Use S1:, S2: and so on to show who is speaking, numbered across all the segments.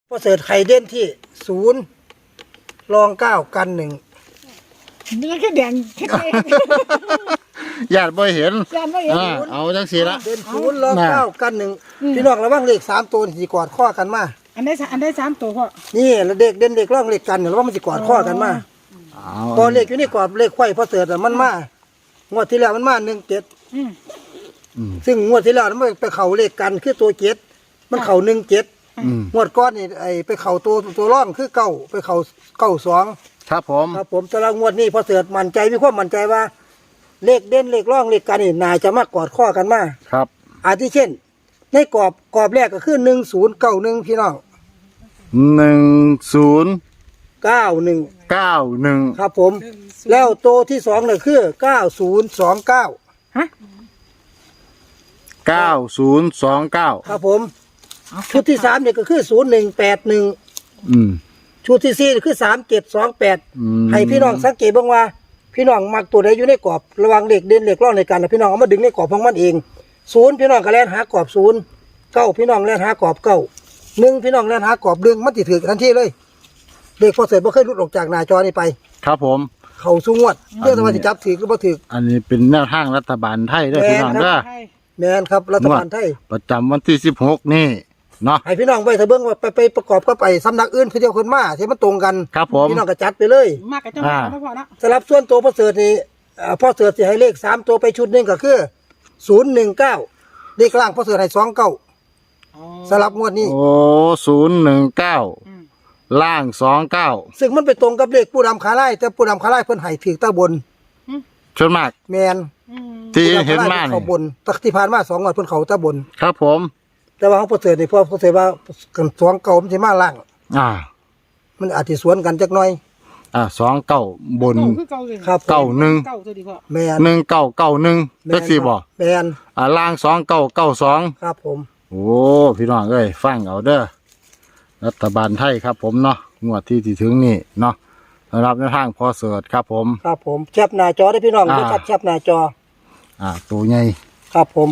S1: พอเสิร์ชไข่เด่นที่0รอง9กัน1
S2: นี่แค่แดงแค่เอง
S3: ญาติบ่เห็น
S2: จำไม่เห็น
S3: เอาจังสีละ
S1: เด่น0รอง9กัน1พี่น้องระวังเลข3ตัวสิกอดข้อกันมา
S2: อันได้3ตัวพ่อ
S1: นี่แล้วเด็กเด่นเด็กร่องเลขกันระวังมันสิกอดข้อกันมาพอเลขอยู่นี่กอดเลขไข่พอเสิร์ชมันมางวดที่แล้วมันมา17ซึ่งงวดที่แล้วมันไปเข่าเลขกันคือตัว7มันเข่า17งวดก้อนนี่ไอไปเข่าตัวร่องคือเก้าไปเข่า92
S3: ครับผม
S1: ครับผมแต่ละงวดนี้พอเสิร์ชมั่นใจมีความมั่นใจว่าเลขเด่นเลขร่องเลขกันนี่นายจะมากอดข้อกันมา
S3: ครับ
S1: อาทิเช่นในกรอบแรกก็คือ1091พี่น้อง
S3: 1091
S1: ครับผมแล้วตัวที่2เนี่ยคือ9029
S2: ฮะ
S3: 9029
S1: ครับผมชุดที่3เนี่ยก็คือ0181ชุดที่4คือ3728ให้พี่น้องสังเกตบ้างว่าพี่น้องมักตัวใดอยู่ในกรอบระวังเลขเด่นเลขร่องในกันพี่น้องเอามาดึงในกรอบของมันเอง0พี่น้องก็แล่นหากรอบ0 9พี่น้องแล่นหากรอบ9 1พี่น้องแล่นหากรอบ1มันสิถือทันทีเลยเด็กพอเสร็จบ่เคยหลุดออกจากหน้าจอนี้ไป
S3: ครับผม
S1: เข้าสู่งวดเรื่องว่าสิจับถือหรือบ่ถือ
S3: อันนี้เป็นแนวทางรัฐบาลไทยเด้อพี่น้องเด้อ
S1: แม่นครับรัฐบาลไทย
S3: ประจำวันที่16นี่เนาะ
S1: ให้พี่น้องไปถ้าเบิ่งว่าไปประกอบก็ไปสำนักอื่นคือเดียวคนมาที่มันตรงกัน
S3: ครับผม
S1: พี่น้องก็จัดไปเลย
S2: มากกับเจ้าพ่อนะ
S1: สำหรับส่วนตัวพอเสิร์ชนี่พอเสิร์ชสิให้เลข3ตัวไปชุดนึงก็คือ019เลขล่างพอเสิร์ชให้29สำหรับงวดนี้
S3: โอ้019ล่าง29
S1: ซึ่งมันไปตรงกับเลขผู้นำขาไล่แต่ผู้นำขาไล่เพิ่นให้ถือตาบน
S3: ส่วนมาก
S1: แมน
S3: ที่เห็นมา
S1: เขาบนตักที่ผ่านมา2งวดเพิ่นเขาตาบน
S3: ครับผม
S1: แต่ว่าของพอเสิร์ชนี่พอเสิร์ชว่ากัน29มันสิมาล่างมันอาจสิสวนกันจักหน่อย
S3: 29บน
S1: ครับ
S3: 91
S1: แม่น
S3: 1991จักสิบ่
S1: แม่น
S3: ล่าง2992
S1: ครับผม
S3: โอ้พี่น้องเอ้ยฟังเอาเด้อรัฐบาลไทยครับผมเนาะงวดที่ถึงนี่เนาะสำหรับในทางพอเสิร์ชครับผม
S1: ครับผมแคปหน้าจอได้พี่น้องได้แคปหน้าจอ
S3: ตัวใหญ่
S1: ครับผม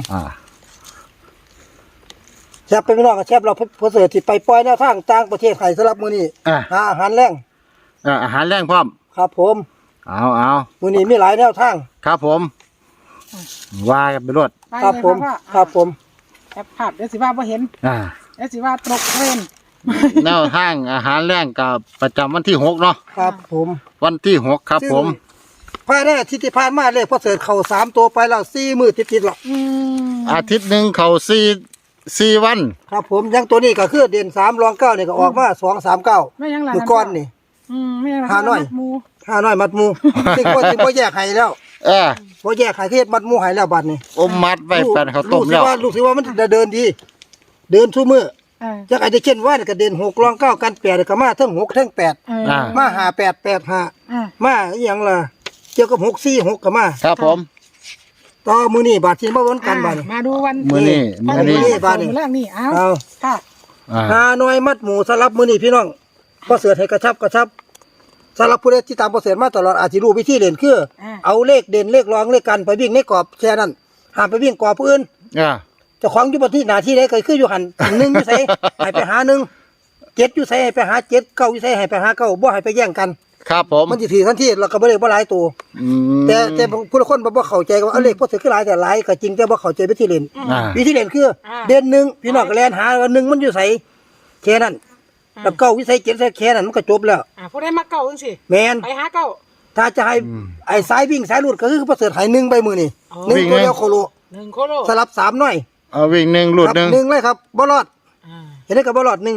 S1: แคปไปพี่น้องก็แคปเราพอเสิร์ชที่ไปปล่อยแนวทางต่างประเทศไทยสำหรับมื้อนี้อาหารแรง
S3: อาหารแรงพร้อม
S1: ครับผม
S3: เอา
S1: มื้อนี้มีหลายแนวทาง
S3: ครับผมว่ากันไปรวด
S1: ครับผมครับผม
S2: แคปภาพเดี๋ยวสิว่าบ่เห็นเดี๋ยวสิว่าตกเทรน
S3: แนวทางอาหารแรงกับประจำวันที่6เนาะ
S1: ครับผม
S3: วันที่6ครับผม
S1: ภายในอาทิตย์ที่ผ่านมาเลยพอเสิร์ชเข้า3ตัวไปแล้ว4มื้อติดๆแล้ว
S3: อาทิตย์นึงเข้า4วัน
S1: ครับผมยังตัวนี้ก็คือเด่น3รอง9นี่ก็ออกมา239
S2: ไม่ยังหลาน
S1: มื้อก่อนนี่
S2: ไม่ยัง
S1: 5น้อยมัดหมู่ซึ่งบ่แยกให้แล้วบ่แยกให้เฮ็ดมัดหมู่ให้แล้วบัดนี้
S3: อมมัดไว้แป้นข้าวต้มแล้ว
S1: รู้สึกว่ามันเดินดีเดินทุกมื้อจักอาจจะเช่นว่าก็เด่น6รอง9กัน8ก็มาทั้ง6ทั้ง8มา5885มาอีหยังล่ะเกี่ยวกับ646ก็มา
S3: ครับผม
S1: ต่อมื้อนี้บาดสิมาวนกันบัดนี้
S2: มาดูวัน
S3: มื้อนี้
S2: บาดนี้แรกนี่เอาค่ะ
S1: น้อยมัดหมู่สำหรับมื้อนี้พี่น้องพอเสิร์ชให้กระชับสำหรับผู้ใดที่ตามพอเสิร์ชมาตลอดอาจสิรู้วิธีเล่นคือเอาเลขเด่นเลขรองเลขกันไปวิ่งในกรอบแค่นั้นห้ามไปวิ่งกรอบผู้อื่นเจ้าของอยู่บนที่หน้าที่ใดก็คืออยู่หัน1อยู่ไสให้ไปหา1 7อยู่ไสให้ไปหา7 9อยู่ไสให้ไปหา9บ่ให้ไปแย่งกัน
S3: ครับผม
S1: มันสิถือทันทีแล้วก็บ่ได้บ่หลายตัวแต่ผู้ละคนบ่เข้าใจว่าเอาเลขพอเสิร์ชคือหลายแต่หลายก็จริงแต่บ่เข้าใจวิธีเล่นคือเด่น1พี่น้องก็แล่นหาว่า1มันอยู่ไสแค่นั้นแล้ว9วิสัย7ใส่แค่นั้นมันก็จบแล้ว
S2: ผู้ใดมาเก้าจังซี่
S1: แม่น
S2: ไปหาเก้า
S1: ถ้าจะให้ไอ้สายวิ่งสายหลุดก็คือพอเสิร์ชให้1ไปมื้อนี้1ตัวเดียวโคโล
S2: 1โคโล
S1: สลับ3น้อย
S3: วิ่ง1หลุด
S1: 1เลยครับบ่รอดเห็นได้ก็บ่รอด1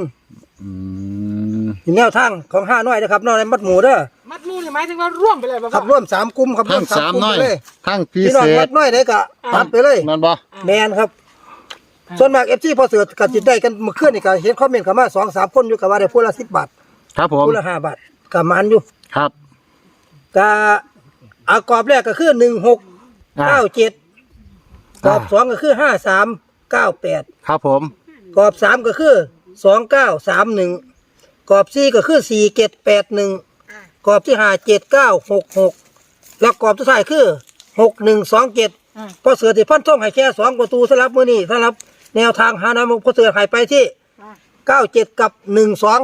S1: แนวทางของ5น้อยนะครับน้อยมัดหมู่เด้อ
S2: มัดหมู่นี่หมายถึงว่าร่วมไปเลยบ่
S1: ครับร่วม3กลุ่มครับร่วม3กลุ่มเลย
S3: ทั้งพิเศษ
S1: พี่น้องมัดน้อยได้ก็ตัดไปเลย
S3: มันบ่
S1: แม่นครับส่วนมาก FC พอเสิร์ชก็สิได้กันเมื่อคืนนี่ก็เห็นคอมเมนต์เข้ามา 2-3 คนอยู่ก็ว่าได้ผู้ละ10 บาท
S3: ครับผม
S1: ผู้ละ5 บาทก็มันอยู่
S3: ครับ
S1: ก็กรอบแรกก็คือ1697กรอบ2ก็คือ5398
S3: ครับผม
S1: กรอบ3ก็คือ2931กรอบ4ก็คือ4781กรอบที่57966แล้วกรอบสุดท้ายคือ6127พอเสือที่พันท่องให้แค่2ประตูสำหรับมื้อนี้สำหรับแนวทางหาน้ำพอเสือให้ไปที่ 97กับ12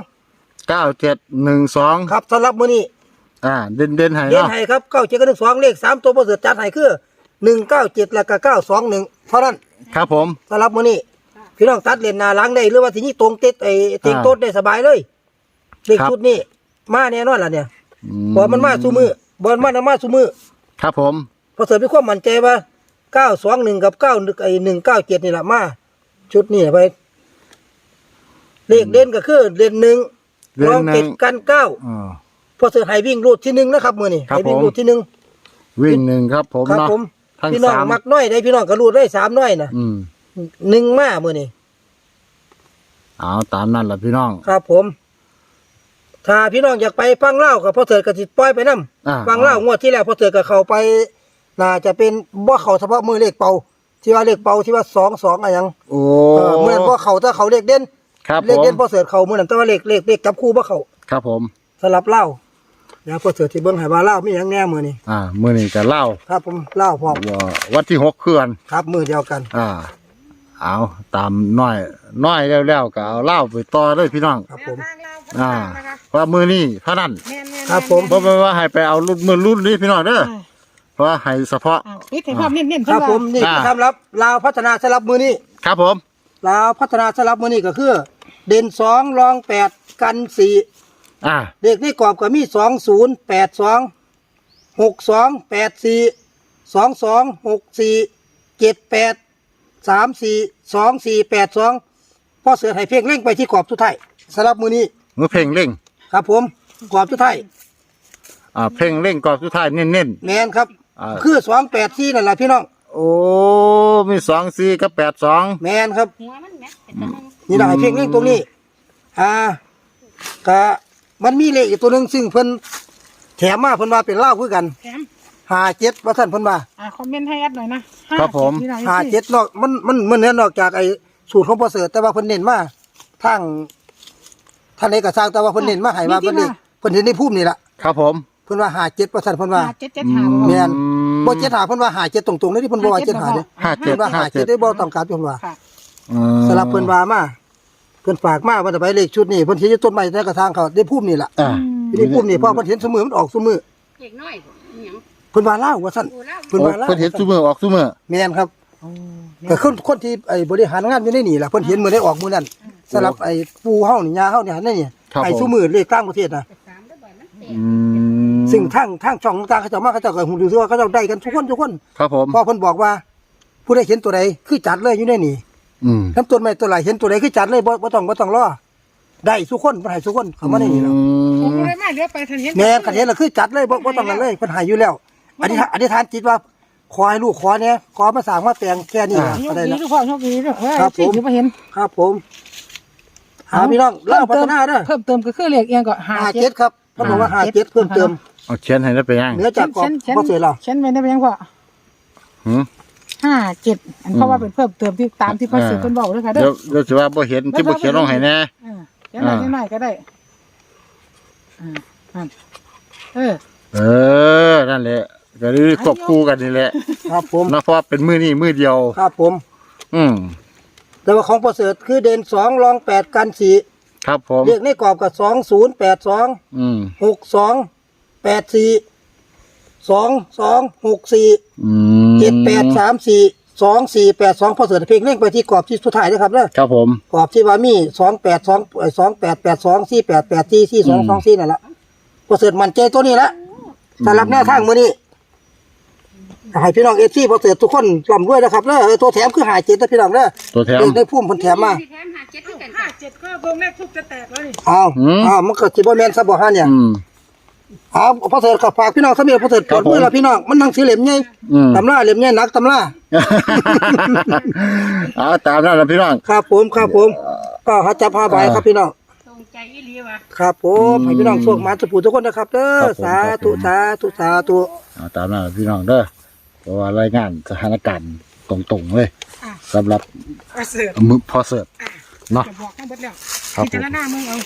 S3: 9712
S1: ครับสำหรับมื้อนี้
S3: เด่นให้
S1: เด่น
S3: เนาะ
S1: ให้ครับ97กับ12เลข3ตัวบ่เสือจัดให้คือ197แล้วก็921เท่านั้น
S3: ครับผม
S1: สำหรับมื้อนี้พี่น้องตัดเลนหน้าหลังได้หรือว่าสิยิงตรงติดเต็งโต๊ดได้สบายเลยเลขชุดนี้มาแน่นอนล่ะเนี่ยบ่มันมาซุมื้อบ่มันมาซุมื้อ
S3: ครับผม
S1: พอเสริมมีความมั่นใจว่า921กับ197นี่ล่ะมาชุดนี้ไปเลขเด่นก็คือเด่น1รอง7กัน9พอเสริมให้วิ่งรูดที่1นะครับมื้อนี้ให้วิ่งรูดที่1
S3: วิ่ง1ครับผม
S1: ครับ
S3: เนาะ
S1: ผม
S3: ทั้ง
S1: พี่น้อง
S3: 3
S1: มักน้อยได้พี่น้องก็รูดได้3น้อยน่ะ1มามื้อนี้
S3: เอาตามนั้นล่ะพี่น้อง
S1: ครับผม ถ้าพี่น้องอยากไปฟังเล่ากับพ่อเถิดก็สิปล่อยไปนํฟังเล่างวดที่แล้วพ่อเถิดก็เข้าไปน่าจะเป็นบ่เข้าเฉพาะมือเลขเป่าที่ว่าเลขเป่าที่ว่า22อะไรหยัง
S3: โอ้
S1: มื้อนั้นบ่เข้าแต่เขาเลขเด่น
S3: ครับ
S1: เล
S3: ผ
S1: ข
S3: ม
S1: เด่นพ่อเถิดเข้ามื้อนั้นแต่ว่าเลขจับคู่บ่เข้า
S3: ครับผม
S1: สลับเล่าแล้วพ่อเถิดสิเบิ่งให้ว่าเล่ามีหยังแน่มื้อนี้
S3: มื้อนี้ก็เล่า
S1: ครับผมเล่าพร้อม
S3: ว่าวันที่6คือกัน
S1: ครับมื้อเดียวกัน
S3: เอาตามน้อยแล้วก็เอาเล่าไปต่อเลยพี่น้อง
S1: ครับผม
S3: ว่ามือนี้เท่านั้น
S1: ครับผม
S3: เพราะว่าให้ไปเอารุ่นนี้พี่น้องเด้อเพราะว่าให้เฉพาะ
S2: ปิดให้ความเน้นๆ
S1: ครับผมนี่
S3: อ่า
S1: สำหรับลาวพัฒนาสลับมื้อนี้
S3: ครับผม
S1: ลาวพัฒนาสลับมื้อนี้ก็คือ เด่น2รอง8กัน4 เลขในกรอบก็มี2082 6284 2264 78 34 2482พ่อเสือให้เพียงเร่งไปที่กรอบสุดท้ายสำหรับมื้อนี้
S3: มือเพลงเร่ง
S1: ครับผมกรอบสุดท้าย
S3: เพลงเร่งก่อนสุดท้ายเน้น
S1: แม่นครับ คือ284นั่นล่ะพี่น้อง
S3: ๆโอ้มี24กับ82
S1: แม่นครับ
S2: หัวมันแม่เป็น
S1: นี่ได้เพียงเร่งตรงนี้ก็มันมีเลขอีกตัวหนึงซึ่งเพิ่นแถมมาเพิ่นว่าเป็นลาวคือกัน
S2: แถม
S1: 57ว่าท่านเพิ่นว่า
S2: คอมเมนต์ให้แอดหน่อยนะ
S3: ครับผม
S1: 57นอกมันเนี่ยนอกจากไอ้สูตรของพ่อเสือแต่ว่าเพิ่นเน้นมาทางท่านเอกสารแต่ว่าเพิ่นเน้นมาให้ว่าเพิ่นนี่เพิ่นเห็นในภูมินี่ล่ะ
S3: ครับผม
S1: เพิ่นว่า57ว่าท่านเพิ่นว่า
S2: 775
S1: แม่นบ่75เพิ่นว่า57ตรงๆเลยที่เพิ่นบ่ว่า75เด้เพิ่นว่า57ได้บ่ต้องการเพิ่นว่า
S2: ค่ะ
S1: สำหรับเพิ่นว่ามาเพิ่นฝากมาว่าจะไปเลขชุดนี้เพิ่นสิอยู่ต้นไม้ในกระถางเขาได้ภูมินี่ล่ะอยู่ในภูมินี่เพราะเพิ่นเห็นซุมื้อมันออกซุมื้อ
S4: เด็กน้อยบ่อิหยัง
S1: เพิ่นว่าลาวว่าซั่น
S4: โอ้แล้ว
S1: เพิ่นว่าลาว
S3: เพิ่นเห็นซุมื้อออกซุมื้อ
S1: แม่นครับก็คนที่ไอ้บริหารงานอยู่ในนี่ล่ะเพิ่นเห็นมื้อได้ออกมื้อนั้นสำหรับไอ้ปู่เฮานี่ย่าเฮานี่นั่นนี่ไอ้ซุมื้อเลขต่างประเทศน่ะ
S4: สามได้บ่มันเตะ
S1: ซึ่งทางช่องต่างๆเขาเจ้ามาเขาเจ้าก็ฮู้ดูว่าเขาเจ้าได้กันทุกคน
S3: ครับผม
S1: พอเพิ่นบอกว่า ผู้ใดเห็นตัวใดคือจัดเลยอยู่ในนี่ทั้งต้นไม้ต้นไหลเห็นตัวใดคือจัดเลยบ่ต้องรอได้ทุกคนเพิ่นให้ทุกคนเข้ามาในนี่แล้ว
S2: ผมก็เลยมาเลี้ยวไปทันเห็น
S1: แม่นคันเห็นแล้วคือจัดเลยบ่ต้องนั่นเลยเพิ่นให้อยู่แล้วอธิษฐานจิตว่าขอให้ลูกขอเนี่ยขอมาสร้างมาแต่งแค่นี้ล่ะ
S2: โช
S1: ก็
S2: ค
S1: ได้
S2: ดี
S1: แล้ว
S2: ทุกคนโชคดีด้วย
S1: ครับผม
S2: ที่มาเห็น
S1: ครับผมพี่น้องเล่าพัฒนาเด้อ
S2: เพิ่มเติมก็คือเลขเอียงก็
S1: 57ครับเขาบอกว่า57เพิ่มเติม
S3: เอาเขียนให้ได้ไปยัง
S1: เหนือจากกรอบบ่เสร็จแล้ว
S2: ฉันไม่ได้ไปยังพ่อ 57อันเพราะว่าเป็นเพิ่มเติมที่ตามที่พ่อสื่อเพิ่นบอกด้วยค่ะเด้
S3: เดี๋ย
S2: อ
S3: วเดี๋ยวสิว่าบ่เห็นที่บ่เขียนลงให้แน่
S2: ยังไงยังไงก็ได้
S3: นั่นแหละก็คือควบคู่กันนี่แหละ
S1: ครับผม
S3: นะเพราะว่าเป็นมือนี้มือเดียว
S1: ครับผม
S3: อืม
S1: แต่ว่าของประเสริฐคือเด่น2รอง8กัน4
S3: ครับผม
S1: เรียกในกรอบกับ2082 6284 2264 7834 2482พอเสริฐเพลงเร่งไปที่กรอบที่สุดท้ายนะครับเด้อ
S3: ครับผม
S1: กรอบที่ว่ามี2882 4884 4224นั่นล่ะประเสริฐมั่นใจตัวนี้ละสำหรับแนวทางมื้อนี้ให้พี่น้อง FC ประเสริฐทุกคนร่ำรวยนะครับเด้อตัวแถมคือ57นะพี่น้องเด้อ
S3: ตัวแถม
S1: เลขในภูมิเพิ่นแถมมา
S4: ที่แถมหาเจ็ดคือกันค่ะ
S2: 7ก็ตัวแรกทุกจะแตกแล้วนี่
S1: อ้าวมันก็สิบ่แม่นซะบ่ฮะเนี่ยพอเสริฐก็ฝากพี่น้องซะมีพอเสริฐปวดมือแล้วพี่น้องมันหนังสือเล่มใหญ่ตำราเล่มใหญ่หนักตำรา
S3: เอาตามนั้นล่ะพี่น้อง
S1: ครับผมก็หาจับหาใบครับพี่น้อง
S4: ตรงใจอีหลีว่ะ
S1: ครับผมให้พี่น้องโชคมาสุขทุกคนนะครับเด้อสาธุสาธุสาธุ
S3: เอาตามนั้นล่ะพี่น้องเด้อเพราะว่ารายงานสถานการณ์ตรงๆเลยสำหรับ
S2: ประเสริฐ
S3: มือพอเสิร์ฟเนาะ
S2: จะบอกให้เบิดแล้ว
S3: ครับ
S2: พิจารณามึงเอา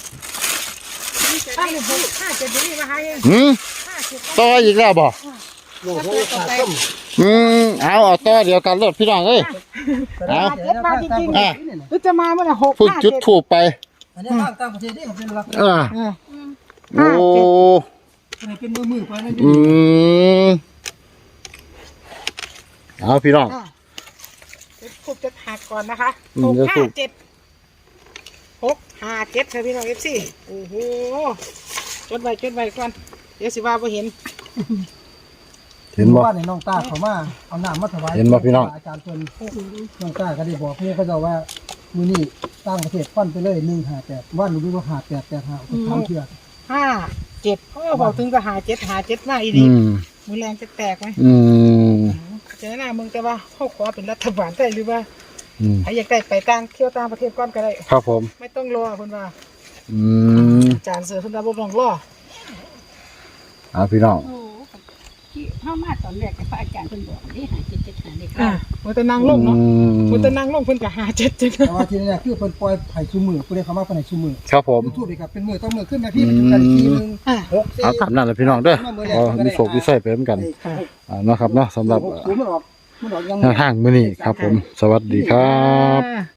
S3: ต่ออีกแล้วบ่
S1: โอ้โหขาดต้ม
S3: เอาต่อเดียวกันรถพี่น้องเอ้ย เอา
S2: เจ็ดมาจริงๆหรือจะมาเมื่อไหร่หก
S3: เพิ่ง
S2: ห้า
S3: จุด
S2: เจ็ด
S3: ถูกไป
S1: อันนี้ทางต่างประเทศนี่เขาเป็นหลัก
S3: อ่า
S2: เออ
S3: โอ้
S1: เป็นมือไปนั่น
S3: อืมเอาพี่น้อง
S2: ถูกจะหักก่อนนะคะ
S3: อืม
S2: หก
S3: จะ
S2: ห้า
S3: ถูก
S2: เจ็ดหกห้าเจ็ดค่ะพี่น้องเอฟซีโอ้โหจดไว้ก่อนเดี๋ยวสิว่าบ่เห็น
S3: เห็นบ่
S1: ว่าในน้องตาเขามาเอาน้ำมาถวาย
S3: เห็นบ่พี่น้อง
S1: อาจารย์เพิ่นน้องตาก็ได้บอกเพื่อนเขาจะว่ามื้อนี้ต่างประเทศฟันไปเลย158ว่าหนูรู้ว่า5885ทำเชื่อ
S2: ห้าเจ็ดโอ้บอกถึงก็หาเจ็ดมาอี
S3: อื
S2: ดี
S3: ม
S2: มือแรงจะแตกไหม
S3: อืม
S2: เจอหน้ามึงแต่ว่าเขาขอเป็นรัฐบาลได้หรือว่า
S3: อืม
S2: ใครอยากได้ไปต่างเที่ยวต่างประเทศก่อนก็ได้
S3: ครับผม
S2: ไม่ต้องรอเพิ่นว่า
S3: อืม
S2: อาจารย์เสือเพิ่นว่าบ่ต้องรอ
S3: เอาพี่น้อง
S4: โอ้ที่เฮามาตอนแรกกับพระอาจารย์เพิ่นบอกนี่หาเจ็ดเจ็ดหาเด็ก
S2: อ่ามันจะนั่งลงเนาะมันจะนั่งลงเพิ่นก็หาเจ็ด
S1: แต่ว่าทีนี้คือเพิ่นปล่อยไผ่ชูมือผู้ใดเข้ามาเพิ่นให้ชูมือ
S3: ครับผม
S1: ทูบอีกครับเป็นมือต้องมือขึ้นนะพี่มันอยู่กันทีนึง
S2: อ่า
S1: 6
S3: เอาตามนั้นเลยพี่น้องเด้อมีโศกวิสัยไปเหมือนกันเนาะครับเนาะสำหรับ
S1: มันออกยัง
S3: ทางมื้อนี้ครับผม สวัสดีครับ
S2: อ่า